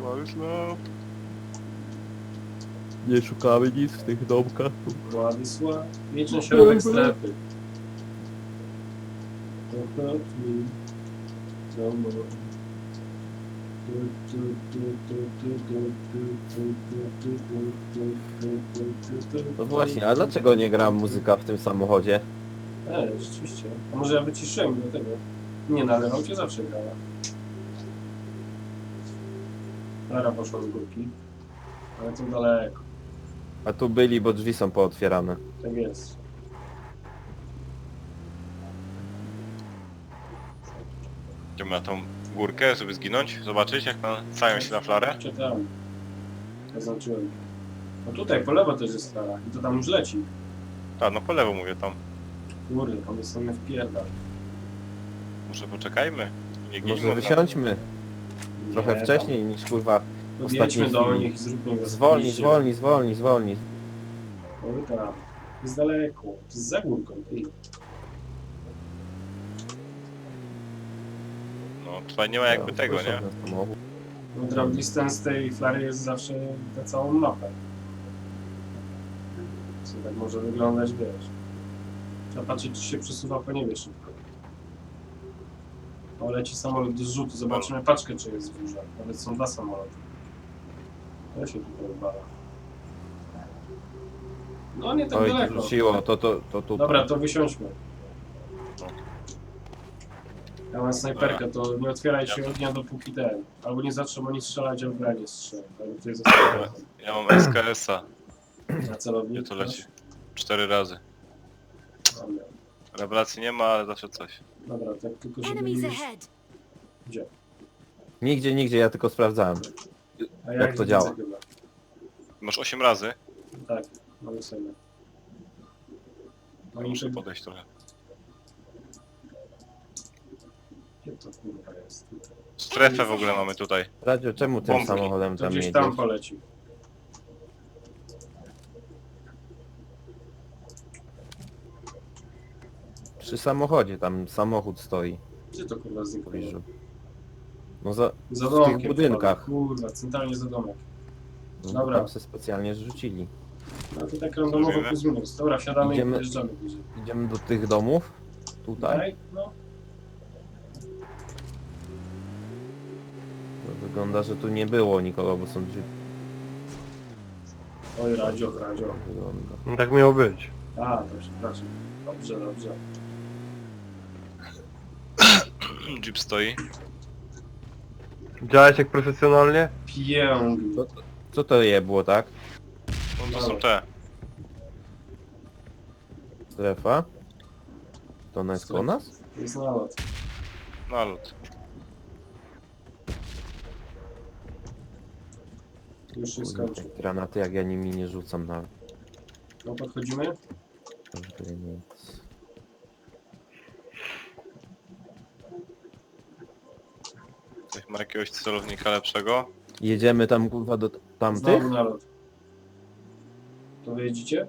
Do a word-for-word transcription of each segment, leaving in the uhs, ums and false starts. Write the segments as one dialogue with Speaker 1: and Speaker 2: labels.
Speaker 1: Władysław.
Speaker 2: Nie szukamy nic w tych domkach.
Speaker 3: Władysław. Wieczny środek strefy.
Speaker 2: No właśnie, a dlaczego nie gra muzyka w tym samochodzie?
Speaker 3: E, rzeczywiście. A może ja wyciszyłem do tego? Nie, no ale cię zawsze grała. Lara poszła z górki. Ale to daleko.
Speaker 2: A tu byli, bo drzwi są pootwierane.
Speaker 3: Tak jest.
Speaker 1: Idziemy na tą górkę, żeby zginąć, zobaczyć jak stają się na flarę.
Speaker 3: Czytałem. Zaznaczyłem. No tutaj po lewo też jest Lara. I to tam już leci.
Speaker 1: Tak, no po lewo mówię tam.
Speaker 3: Kurde, tam jest same wpierdal.
Speaker 1: Może poczekajmy. Nie ginimy.
Speaker 2: Może wysiądźmy trochę
Speaker 3: Nie,
Speaker 2: wcześniej niż kurwa
Speaker 3: tam.
Speaker 2: w
Speaker 3: Jedźmy
Speaker 2: ostatniej
Speaker 3: do
Speaker 2: chwili.
Speaker 3: nich i zróbmy go
Speaker 2: Zwolnij,
Speaker 3: zdjęcie.
Speaker 2: zwolnij, zwolnij, zwolnij.
Speaker 3: Oj tam. Jest daleko. To jest za górką. Ty.
Speaker 1: No tutaj nie ma jakby
Speaker 2: Ja,
Speaker 1: tego,
Speaker 2: proszę,
Speaker 1: nie?
Speaker 2: na samochód.
Speaker 3: No drop distance tej flary jest zawsze na całą mapę. Co tak może wyglądać, wiesz. Trzeba patrzeć, czy się przesuwa po niebie szybko. O, leci samolot do zrzutu. Zobaczymy paczkę, czy jest duża. Nawet są dwa samoloty. To się tutaj odbala. No nie tak
Speaker 2: Oj,
Speaker 3: daleko.
Speaker 2: to rzuciło, to, to, to tu.
Speaker 3: Dobra, to wysiądźmy. Ja mam snajperkę, to nie otwieraj się ognia dopóki ten. Albo nie zaczną oni strzelać, albo ja nie strzelę. Albo to jest
Speaker 1: Ja mam S K S-a.
Speaker 3: na celownik.
Speaker 1: Gdzie to leci? Cztery razy.
Speaker 3: Dobra.
Speaker 1: Rewelacji nie ma, ale zawsze coś.
Speaker 3: Dobra, tak tylko żeby
Speaker 4: Enemies
Speaker 3: już...
Speaker 4: ahead.
Speaker 3: Gdzie?
Speaker 2: Nigdzie, nigdzie, ja tylko sprawdzałem.
Speaker 3: A
Speaker 2: Jak to
Speaker 3: widzę
Speaker 2: działa?
Speaker 3: Chyba.
Speaker 1: Masz osiem razy.
Speaker 3: Tak, mamy sobie.
Speaker 1: No
Speaker 3: No
Speaker 1: muszę
Speaker 3: muszę...
Speaker 1: podejść trochę.
Speaker 3: Gdzie to kurwa jest?
Speaker 1: Strefę w ogóle mamy tutaj.
Speaker 2: Radio, czemu tym
Speaker 1: Bombki.
Speaker 2: samochodem
Speaker 3: To
Speaker 2: tam
Speaker 3: gdzieś
Speaker 2: jedziesz?
Speaker 3: tam poleci.
Speaker 2: Przy samochodzie, tam samochód stoi
Speaker 3: Gdzie to kurwa
Speaker 2: w
Speaker 3: znikło?
Speaker 2: pobliżu. No za,
Speaker 3: Za
Speaker 2: w
Speaker 3: domkiem.
Speaker 2: tych budynkach.
Speaker 3: Kurwa, centralnie za domek.
Speaker 2: No,
Speaker 3: Dobra.
Speaker 2: tam się specjalnie zrzucili.
Speaker 3: No to tak randomowo
Speaker 1: Zrobimy?
Speaker 3: plus minus. Dobra, wsiadamy
Speaker 2: Idziemy-
Speaker 3: i wyjeżdżamy bliżej.
Speaker 2: Idziemy do tych domów. Tutaj.
Speaker 3: Tak? No.
Speaker 2: To wygląda, że tu nie było nikogo, bo są drzwi.
Speaker 3: Oj, radio, radio.
Speaker 2: Wygląda.
Speaker 5: No tak miało być.
Speaker 3: A, to przepraszam. Dobrze, dobrze.
Speaker 1: Jeep stoi.
Speaker 5: Działałeś jak profesjonalnie?
Speaker 3: Pięknie.
Speaker 2: Co, co to je było, tak?
Speaker 1: No to są te.
Speaker 2: Strefa? To ona jest koło nas?
Speaker 3: Jest nalot.
Speaker 1: Nalot.
Speaker 3: Już się
Speaker 2: Kurde,
Speaker 3: skończył.
Speaker 2: te granaty, jak ja nimi nie rzucam nawet.
Speaker 3: No podchodzimy?
Speaker 2: Kurde, nic.
Speaker 1: Ktoś ma jakiegoś celownika lepszego?
Speaker 2: Jedziemy tam kurwa do tamtych?
Speaker 3: Znowu nalot. To wyjedziecie?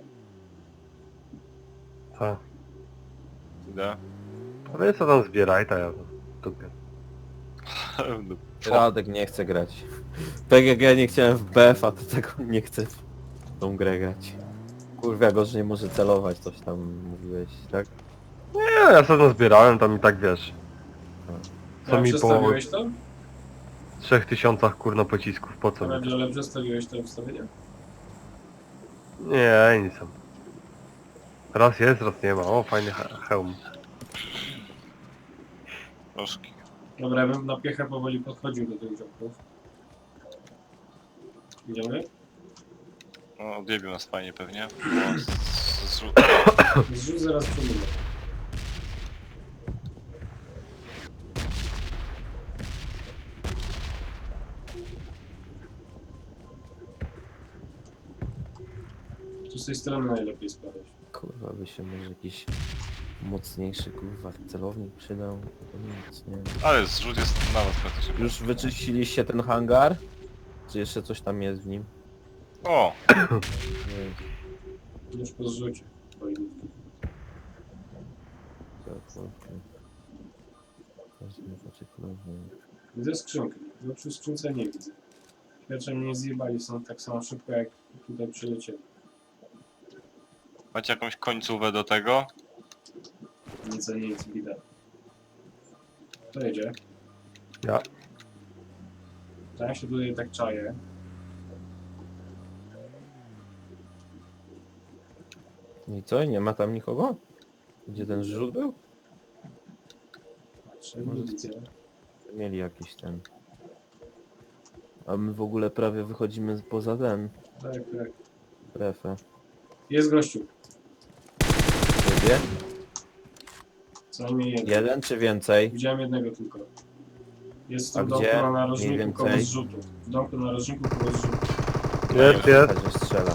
Speaker 5: Tak.
Speaker 1: Idę.
Speaker 5: A wy co tam zbieraj, to ja tupię.
Speaker 2: Radek nie chce grać. P G G nie chciałem w B F, a to tego nie chcę w tą grę grać. Kurwa, go, że nie może celować, coś tam mówiłeś, tak?
Speaker 5: Nie, ja sobie zbierałem tam i tak wiesz. Co
Speaker 3: Ja
Speaker 5: mi po
Speaker 3: przestawiłeś to?
Speaker 5: trzech tysiącach kurno pocisków, po co mi?
Speaker 3: Radio, ale przestawiłeś to ustawienie?
Speaker 5: Nie, nic tam. Raz jest, raz nie ma. O, fajny he hełm.
Speaker 1: Troszki.
Speaker 3: Dobra, ja bym na piechę powoli podchodził do tych ziomków. Idziemy?
Speaker 1: No odjebił nas fajnie pewnie. O, z, z, z,
Speaker 3: Zrzuć zaraz przemówię. Tu z tej strony najlepiej spadać.
Speaker 2: Kurwa, by się może jakiś mocniejszy kurwa celownik przydał. To nic, nie wiem.
Speaker 1: ale zrzut jest na nas praktycznie.
Speaker 2: Już wyczyściliście ten hangar? Czy jeszcze coś tam jest w nim?
Speaker 1: O!
Speaker 2: Nie,
Speaker 3: Już po zrzucie. Bojówki.
Speaker 2: tak, okej. Każdy zobaczy kurwa.
Speaker 3: Widzę skrzynkę. No przy skrzynce nie widzę. Pierwsze mnie nie zjebali, są tak samo szybko jak tutaj przylecieli.
Speaker 1: Macie jakąś końcówę do tego?
Speaker 3: Nic, nic, widać. Kto jedzie?
Speaker 5: Ja.
Speaker 3: To ja się tutaj tak czaję.
Speaker 2: I co? Nie ma tam nikogo? Gdzie ten zrzut był?
Speaker 3: Patrzę, nie widzę.
Speaker 2: Mieli jakiś ten... A my w ogóle prawie wychodzimy poza ten...
Speaker 3: Tak, tak.
Speaker 2: Strefę.
Speaker 3: Jest gościu.
Speaker 2: Ciebie?
Speaker 3: Co najmniej jeden.
Speaker 2: Jeden czy więcej?
Speaker 3: Widziałem jednego tylko. Jest w
Speaker 2: A
Speaker 3: tym domku
Speaker 2: gdzie?
Speaker 3: na
Speaker 2: Mniej
Speaker 3: narożniku
Speaker 2: więcej?
Speaker 3: koło zrzutu. W domku na narożniku koło zrzutu.
Speaker 5: Jest, jest.
Speaker 2: Że strzela.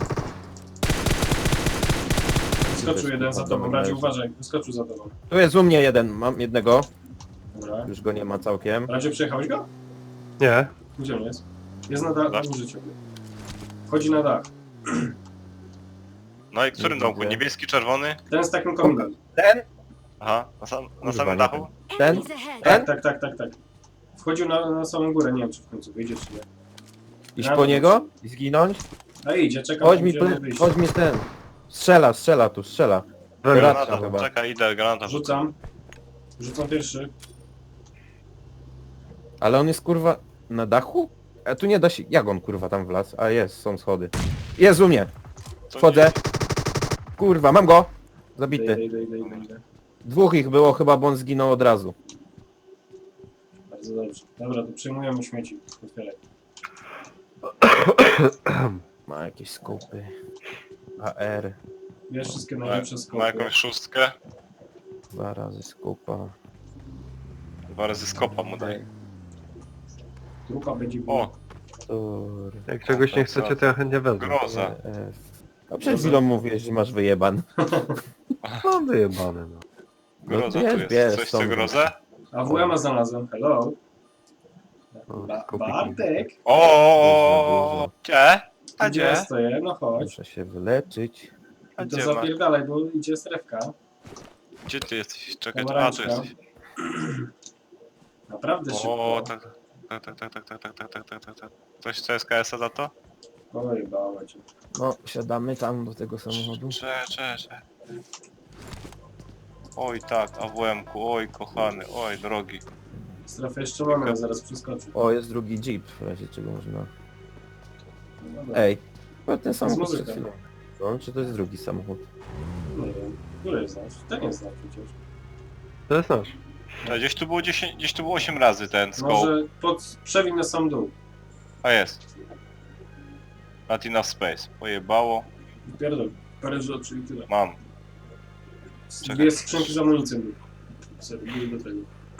Speaker 3: Wyskoczył jeden za tobą, Radzie uważaj, wyskoczył za tobą.
Speaker 2: Tu jest u mnie jeden, mam jednego.
Speaker 3: Dobra.
Speaker 2: Już go nie ma całkiem.
Speaker 3: Radzie przejechałeś go?
Speaker 5: Nie.
Speaker 3: Gdzie on jest? Jest na dach,
Speaker 1: Dach?
Speaker 3: na górze ciebie. Wchodzi na dach.
Speaker 1: No i którym
Speaker 2: Nie
Speaker 1: domku?
Speaker 2: widzę.
Speaker 1: Niebieski, czerwony?
Speaker 3: Ten z takim kominem.
Speaker 2: Ten?
Speaker 1: Aha, na, sam, na
Speaker 2: Kurwa,
Speaker 1: samym
Speaker 2: nie
Speaker 1: dachu?
Speaker 2: Ten?
Speaker 4: Enemies ahead.
Speaker 2: Ten?
Speaker 3: Tak, tak, tak, tak, tak. Wchodził na, na samą górę, nie wiem czy w końcu wyjdzie czy nie.
Speaker 2: Iść
Speaker 3: Ja
Speaker 2: po
Speaker 3: to
Speaker 2: niego? I zginąć?
Speaker 3: A idzie, czekam,
Speaker 2: Chodź
Speaker 3: aż
Speaker 2: mi,
Speaker 3: będziemy
Speaker 2: ple-
Speaker 3: wyjść.
Speaker 2: chodź mi ten. Strzela, strzela tu, strzela.
Speaker 5: We mnie.
Speaker 2: Granata
Speaker 1: Granata,
Speaker 2: chyba.
Speaker 1: czekaj, idę, granata.
Speaker 3: Rzucam. Rzucam pierwszy.
Speaker 2: Ale on jest kurwa na dachu? A tu nie da się... Jak on kurwa tam wlazł? A jest, są schody. Jest u mnie.
Speaker 1: Co
Speaker 2: Wchodzę. Kurwa, mam go.
Speaker 3: Idę,
Speaker 2: Zabity.
Speaker 3: idę, idę, idę, idę.
Speaker 2: Dwóch ich było chyba, bo on zginął od razu.
Speaker 3: Bardzo dobrze. Dobra, to przejmujemy śmieci. Otwieraj.
Speaker 2: Ma jakieś skupy. A R.
Speaker 3: Bierz wszystkie
Speaker 1: Ma,
Speaker 3: najlepsze
Speaker 1: ma
Speaker 3: skopy.
Speaker 1: jakąś szóstkę?
Speaker 2: Dwa razy skupa.
Speaker 1: Dwa razy skopa mu daj.
Speaker 3: Trupa będzie
Speaker 1: O,
Speaker 3: biła.
Speaker 2: Tur.
Speaker 5: Jak czegoś nie chcecie, to ja chętnie wezmę.
Speaker 1: groza.
Speaker 2: F. A przed chwilą mówiłeś, że masz wyjeban.
Speaker 5: Mam wyjebane, no.
Speaker 1: Groza
Speaker 2: No
Speaker 1: tu
Speaker 2: bierz,
Speaker 1: jest.
Speaker 2: bierz,
Speaker 1: Coś
Speaker 2: są-
Speaker 1: chce grozę?
Speaker 3: A W M a znalazłem. Hello.
Speaker 5: O,
Speaker 3: Ba
Speaker 5: kopiki.
Speaker 3: Bartek.
Speaker 1: O, gdzie? A
Speaker 3: Gdzie
Speaker 1: gdzie?
Speaker 3: ja stoję? No chodź.
Speaker 2: Muszę się wyleczyć.
Speaker 1: A
Speaker 3: I to
Speaker 1: gdzie masz?
Speaker 3: zapierdalaj, bo idzie strefka.
Speaker 1: Gdzie ty jesteś? Czekaj, a tu
Speaker 3: Pomarańczka.
Speaker 1: jesteś.
Speaker 3: Naprawdę
Speaker 1: O,
Speaker 3: szybko.
Speaker 1: tak, tak, tak, tak, tak, tak, tak, tak, tak, tak, tak, tak. Coś chce S K S a za to?
Speaker 3: Oj, bała cię.
Speaker 2: No, siadamy tam do tego samochodu.
Speaker 1: Cze, cze, cze. Oj tak, A W M-ku, oj kochany, oj drogi.
Speaker 3: Strefę jeszcze mamy, ale zaraz przeskoczy.
Speaker 2: O, jest drugi jeep, w razie czego można...
Speaker 3: No dobra.
Speaker 2: Ej, to ten
Speaker 3: To jest
Speaker 2: samochód przed
Speaker 3: muzyka.
Speaker 2: chwilą. No, czy to jest drugi samochód?
Speaker 3: Nie wiem. Który jest nasz? Ten jest nasz przecież.
Speaker 5: To jest nasz.
Speaker 1: To gdzieś tu było dziesięć, gdzieś tu było osiem razy ten scope.
Speaker 3: Może pod... przewin na sam dół.
Speaker 1: A jest. Not enough space. Pojebało.
Speaker 3: Pierdol. Parę rzeczy, czyli tyle.
Speaker 1: Mam. Czekaj.
Speaker 3: Dwie skrzynki z amunicją były. Sobie były do tego.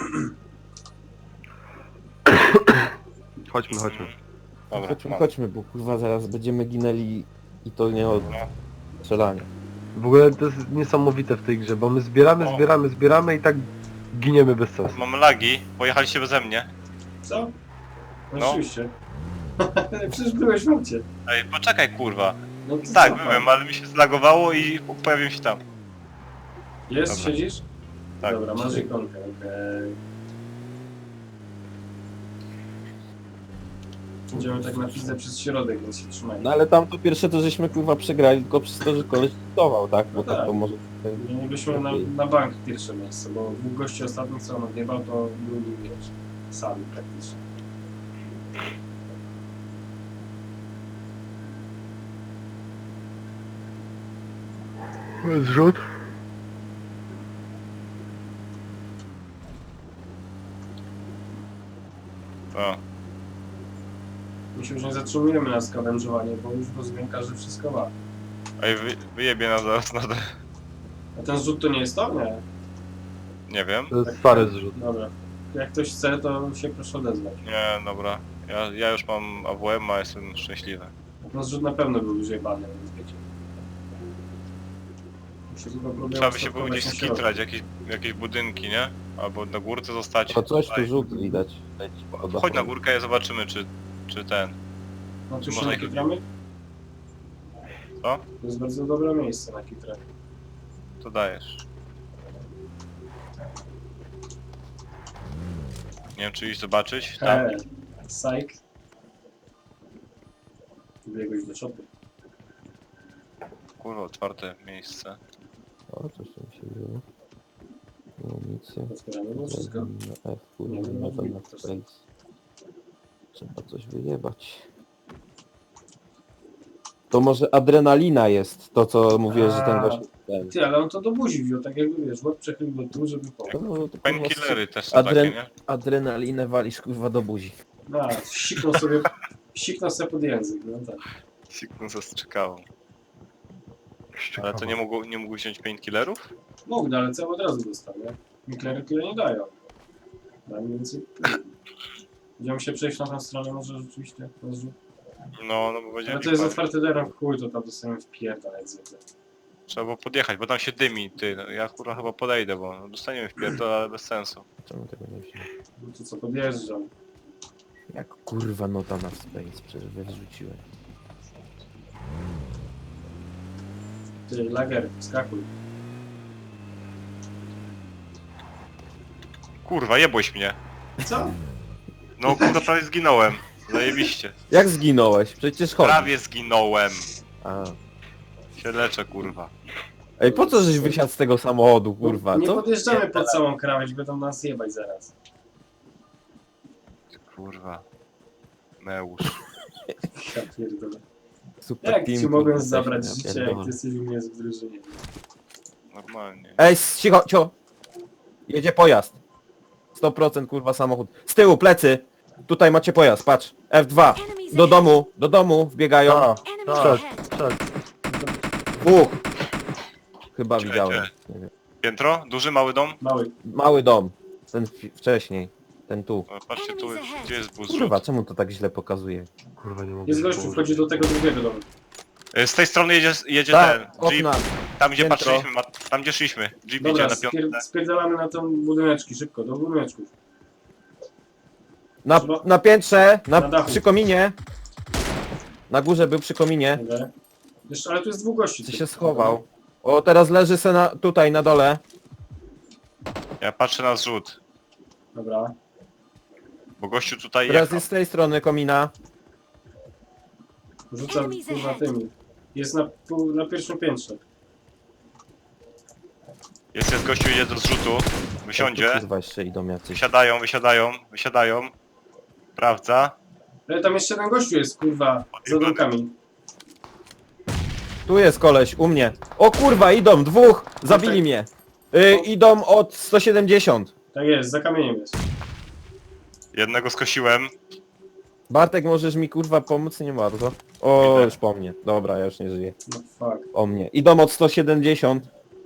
Speaker 5: Chodźmy, chodźmy.
Speaker 1: Dobra,
Speaker 2: chodźmy,
Speaker 1: mam.
Speaker 2: chodźmy, bo kurwa zaraz będziemy ginęli i to nie od
Speaker 1: Dobra.
Speaker 2: strzelania.
Speaker 5: W ogóle to jest niesamowite w tej grze, bo my zbieramy,
Speaker 1: O.
Speaker 5: zbieramy, zbieramy i tak giniemy bez sensu.
Speaker 1: Mam lagi, pojechaliście beze mnie.
Speaker 3: Co? No,
Speaker 1: No.
Speaker 3: oczywiście. Przecież byłeś w aucie.
Speaker 1: Ej, poczekaj kurwa.
Speaker 3: No to
Speaker 1: Tak,
Speaker 3: co,
Speaker 1: byłem, ale mi się zlagowało i pojawiłem się tam.
Speaker 3: Jest,
Speaker 1: Dobra.
Speaker 3: siedzisz?
Speaker 1: Tak.
Speaker 3: Dobra, masz ikonkę, okej. Idziemy tak na pizdę przez środek, więc się trzymaj.
Speaker 2: No ale tam to pierwsze to żeśmy kurwa przegrali tylko przez to, że koleś dyktował, tak? Bo
Speaker 3: No
Speaker 2: tak
Speaker 3: tak.
Speaker 2: to może...
Speaker 3: Mielibyśmy na, na bank pierwsze miejsce, bo dwóch gości ostatnich co on odjebał, to byli, wiesz, sami praktycznie.
Speaker 5: Zrzut?
Speaker 1: O.
Speaker 3: My się już nie zatrzymujemy na skawężowanie, bo już rozumiem, każdy wszystko ma.
Speaker 1: Ej, wy, wyjebie nas zaraz na te...
Speaker 3: A ten zrzut to nie jest to? Nie.
Speaker 1: Nie wiem.
Speaker 5: To jest stary zrzut.
Speaker 3: Dobra. Jak ktoś chce, to się proszę odezwać.
Speaker 1: Nie, dobra. Ja, ja już mam A W M, a jestem szczęśliwy.
Speaker 3: No zrzut na pewno był już jebany, więc wiecie. Muszę tylko próbować
Speaker 1: Trzeba by się było
Speaker 3: stopować
Speaker 1: gdzieś
Speaker 3: na środku.
Speaker 1: skitrać, jakieś, jakieś budynki, nie? Albo na górce zostać.
Speaker 2: To coś tu
Speaker 1: Tutaj.
Speaker 2: rzut widać. Leci po dachu.
Speaker 1: Chodź na górkę i zobaczymy, czy, czy ten...
Speaker 3: No tu
Speaker 1: Czy
Speaker 3: się
Speaker 1: można
Speaker 3: na
Speaker 1: ich-
Speaker 3: kitramy?
Speaker 1: Co?
Speaker 3: To jest bardzo dobre miejsce na kitrę.
Speaker 1: To dajesz. Nie wiem, czy iść zobaczyć. Tam.
Speaker 3: He, psych. Biegłeś do shopy.
Speaker 1: Kurwa, otwarte miejsce.
Speaker 2: O, coś tam się dzieje. Amunicję.
Speaker 3: Otwieramy było wszystko?
Speaker 2: Na F, kurwa,
Speaker 3: Nie,
Speaker 2: na
Speaker 3: no,
Speaker 2: to na
Speaker 3: to
Speaker 2: space. Trzeba coś wyjebać. To może adrenalina jest, to co mówiłeś, że ten
Speaker 3: A.
Speaker 2: gość... Ten.
Speaker 3: Ty, ale on to do buzi wziął, tak jakby wiesz, łeb przechylił do tu, żeby pomóc.
Speaker 2: No, to kurwa,
Speaker 1: Painkillery też są
Speaker 2: Adren...
Speaker 1: takie, nie?
Speaker 2: Adrenalinę walisz kurwa do buzi.
Speaker 3: No, siknął sobie, siknął sobie pod język, no tak.
Speaker 1: Siknął zastrzykałą. Ale to nie mógł, nie mógł wziąć painkillerów?
Speaker 3: Mógł, no, ale cały od razu dostał, nie? Miklery tyle nie dają. Daj mi więcej. Będziemy się przejść na tą stronę, może rzeczywiście. Może...
Speaker 1: No, no bo będzie
Speaker 3: Ale to jest
Speaker 1: lipa.
Speaker 3: otwarty teren, chuj, to tam dostaniemy wpierdalać zwykle.
Speaker 1: Trzeba było podjechać, bo tam się dymi, ty. No, ja kurwa chyba podejdę, bo no, dostaniemy w pierdol, ale bez sensu.
Speaker 2: Czemu tego nie wziąłem?
Speaker 3: No to co, podjeżdżam.
Speaker 2: Jak kurwa nota na space, przecież wyrzuciłem.
Speaker 3: Ty, lager, skakuj.
Speaker 1: Kurwa, jebłeś mnie.
Speaker 3: Co?
Speaker 1: No kurwa, prawie zginąłem. Zajebiście.
Speaker 2: Jak zginąłeś? Przecież chodzi.
Speaker 1: Prawie zginąłem.
Speaker 2: A.
Speaker 1: Się leczę, kurwa.
Speaker 2: Ej, po co żeś wysiadł z tego samochodu, kurwa,
Speaker 3: Nie
Speaker 2: co?
Speaker 3: podjeżdżamy pod całą krawędź, będą nas jebać zaraz.
Speaker 1: Kurwa. Meusz.
Speaker 3: Ja pierdolę.
Speaker 2: Super
Speaker 3: Jak
Speaker 2: team,
Speaker 3: ci mogłem
Speaker 2: kurwa,
Speaker 3: zabrać
Speaker 2: ja
Speaker 3: życie, jak
Speaker 2: pierdolę.
Speaker 3: ty jesteś u mnie w drużynie?
Speaker 1: Normalnie.
Speaker 2: Ej, cicho, cicho! Jedzie pojazd. sto procent kurwa samochód. Z tyłu, plecy! Tutaj macie pojazd, patrz. F dwa. Do domu, do domu wbiegają.
Speaker 5: A,
Speaker 4: Enemies
Speaker 5: tak,
Speaker 4: ahead.
Speaker 5: tak.
Speaker 2: Dwóch. Chyba
Speaker 1: Czekaj,
Speaker 2: widziałem.
Speaker 1: czekaj.
Speaker 2: Nie wiem.
Speaker 1: Piętro? Duży, mały dom?
Speaker 3: Mały.
Speaker 2: Mały dom. Ten fi- wcześniej. Ten tu.
Speaker 1: O, patrzcie, tu jest, gdzie jest bus
Speaker 2: Kurwa,
Speaker 1: rzut?
Speaker 2: czemu to tak źle pokazuje?
Speaker 5: Kurwa, nie mogę.
Speaker 3: Jest gościu, wchodzi do tego drugiego domu.
Speaker 1: E, Z tej strony jedzie, jedzie
Speaker 2: Tak,
Speaker 1: ten Jeep,
Speaker 2: okna.
Speaker 1: tam gdzie
Speaker 2: piętro.
Speaker 1: patrzyliśmy, ma, tam gdzie szliśmy. Jeep
Speaker 3: Dobra,
Speaker 1: idzie na
Speaker 3: spier
Speaker 1: piątkę.
Speaker 3: spierdalamy na tą budyneczki, szybko, do budyneczków.
Speaker 2: Na,
Speaker 3: Trzeba-
Speaker 2: na piętrze, na,
Speaker 3: Na dachu.
Speaker 2: przy kominie. Na górze był przy kominie.
Speaker 3: Dobra. Jeszcze, ale tu jest dwóch gości.
Speaker 2: Ty
Speaker 3: tu.
Speaker 2: się schował. O, teraz leży se na, tutaj na dole.
Speaker 1: Ja patrzę na zrzut,
Speaker 3: Dobra.
Speaker 1: bo gościu tutaj
Speaker 2: Teraz
Speaker 1: jechał.
Speaker 2: jest z tej strony komina.
Speaker 3: Rzuca
Speaker 4: Enemies
Speaker 3: kurwa
Speaker 4: ahead.
Speaker 3: tymi. Jest na, pół- na pierwszym piętrze.
Speaker 1: Jest, jest gościu, idzie do zrzutu,
Speaker 2: Tu,
Speaker 1: wysiądzie.
Speaker 2: kurwa, jeszcze idą jacyś.
Speaker 1: Wysiadają, wysiadają, wysiadają. Sprawdza.
Speaker 3: Ale tam jeszcze jeden gościu jest, kurwa, za domkami.
Speaker 2: Tu jest koleś, u mnie. O kurwa, idą, dwóch! Zabili mnie. Y, idą od sto siedemdziesiąt.
Speaker 3: Tak jest, za kamieniem jest.
Speaker 1: Jednego skosiłem.
Speaker 2: Bartek, możesz mi kurwa pomóc? Nie bardzo. O,
Speaker 1: Idę.
Speaker 2: już po mnie. Dobra, ja już nie żyję.
Speaker 3: No fuck.
Speaker 2: O mnie. Idą od sto siedemdziesiąt.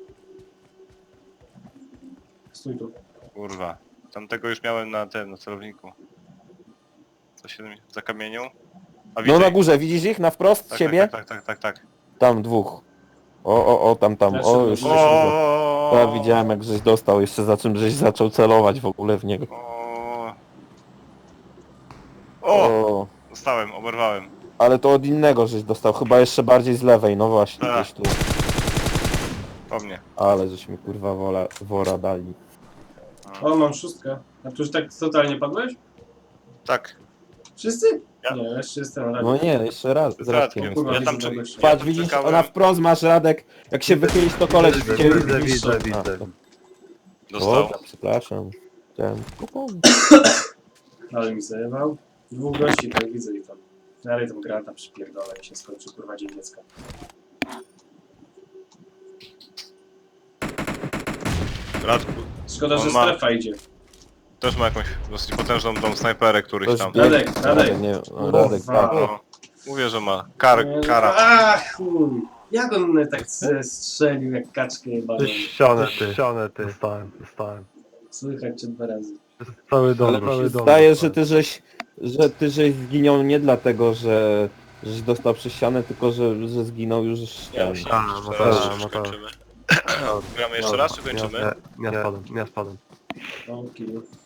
Speaker 3: Stój tu.
Speaker 1: Kurwa. Tamtego już miałem na tym, na celowniku. Co się za kamienią? A
Speaker 2: No
Speaker 1: widzę
Speaker 2: na
Speaker 1: ich.
Speaker 2: górze, widzisz ich? Na wprost
Speaker 1: Tak,
Speaker 2: ciebie?
Speaker 1: tak, tak, tak, tak, tak.
Speaker 2: Tam dwóch. O, o, o, tam, tam.
Speaker 3: Też
Speaker 2: O,
Speaker 3: są
Speaker 2: już
Speaker 3: na
Speaker 2: się
Speaker 3: górze.
Speaker 1: O,
Speaker 2: Ja widziałem jak żeś dostał, jeszcze za czym żeś zaczął celować w ogóle w niego.
Speaker 1: O, o,
Speaker 2: O,
Speaker 1: dostałem, oberwałem.
Speaker 2: ale to od innego żeś dostał, chyba jeszcze bardziej z lewej, no właśnie,
Speaker 1: Tak.
Speaker 2: gdzieś tu.
Speaker 1: Po mnie.
Speaker 2: Ale żeśmy kurwa wola, wora dali.
Speaker 3: O, mam szóstkę. A tu już tak totalnie padłeś?
Speaker 1: Tak.
Speaker 3: Wszyscy?
Speaker 1: Ja.
Speaker 3: Nie, jeszcze jest ten
Speaker 2: No nie, jeszcze raz, z
Speaker 1: Z Radkiem.
Speaker 2: Radkiem.
Speaker 3: Kurwa,
Speaker 1: Ja tam,
Speaker 3: widzę
Speaker 1: czy,
Speaker 3: gościa.
Speaker 1: ja
Speaker 2: Patrz,
Speaker 1: tam
Speaker 2: widzisz,
Speaker 1: czekałem.
Speaker 2: ona wprost masz Radek, jak się wychylisz to koleś
Speaker 5: Widzę,
Speaker 2: cię
Speaker 5: widzę,
Speaker 2: widzisz.
Speaker 5: widzę,
Speaker 2: A,
Speaker 5: widzę.
Speaker 2: to-
Speaker 1: Dostał.
Speaker 2: Dobra, przepraszam. Chciałem tylko
Speaker 3: Ale mi zajebał. Dwóch gości, tak widzę i tam. Dalej tą grata przypierdolę i się skończy, kurwa, dzień dziecka.
Speaker 1: Radku
Speaker 3: Szkoda,
Speaker 1: On
Speaker 3: że
Speaker 1: ma-
Speaker 3: strefa idzie.
Speaker 1: też ma jakąś dosyć potężną tą snajperę, któryś
Speaker 2: Ktoś
Speaker 1: tam.
Speaker 2: biegnie.
Speaker 3: Radek, Radek.
Speaker 2: Nie, no, Radek,
Speaker 3: Kurwa.
Speaker 2: tak.
Speaker 1: No, mówię, że ma. Kar,
Speaker 3: Nie,
Speaker 1: kara.
Speaker 3: Ach, chuj. Jak on mnie tak se- strzelił, jak kaczkę jebaną.
Speaker 5: Ścianę ty, ścianę ty. Dostałem, dostałem.
Speaker 3: Słychać cię dwa razy.
Speaker 5: Cały dom,
Speaker 2: Ale
Speaker 5: cały
Speaker 2: mi się
Speaker 5: dom.
Speaker 2: zdaje, że
Speaker 5: dostałem.
Speaker 2: ty żeś, że ty żeś zginął nie dlatego, że żeś dostał przez ścianę, tylko że, że zginął już z ściany.
Speaker 1: myślałem,
Speaker 5: A,
Speaker 1: że
Speaker 5: no
Speaker 1: teraz
Speaker 5: tak,
Speaker 1: już
Speaker 5: no tak.
Speaker 1: kończymy. Gramy jeszcze raz, czy kończymy?
Speaker 5: Nie, nie spadłem, nie spadłem.
Speaker 3: O, kill.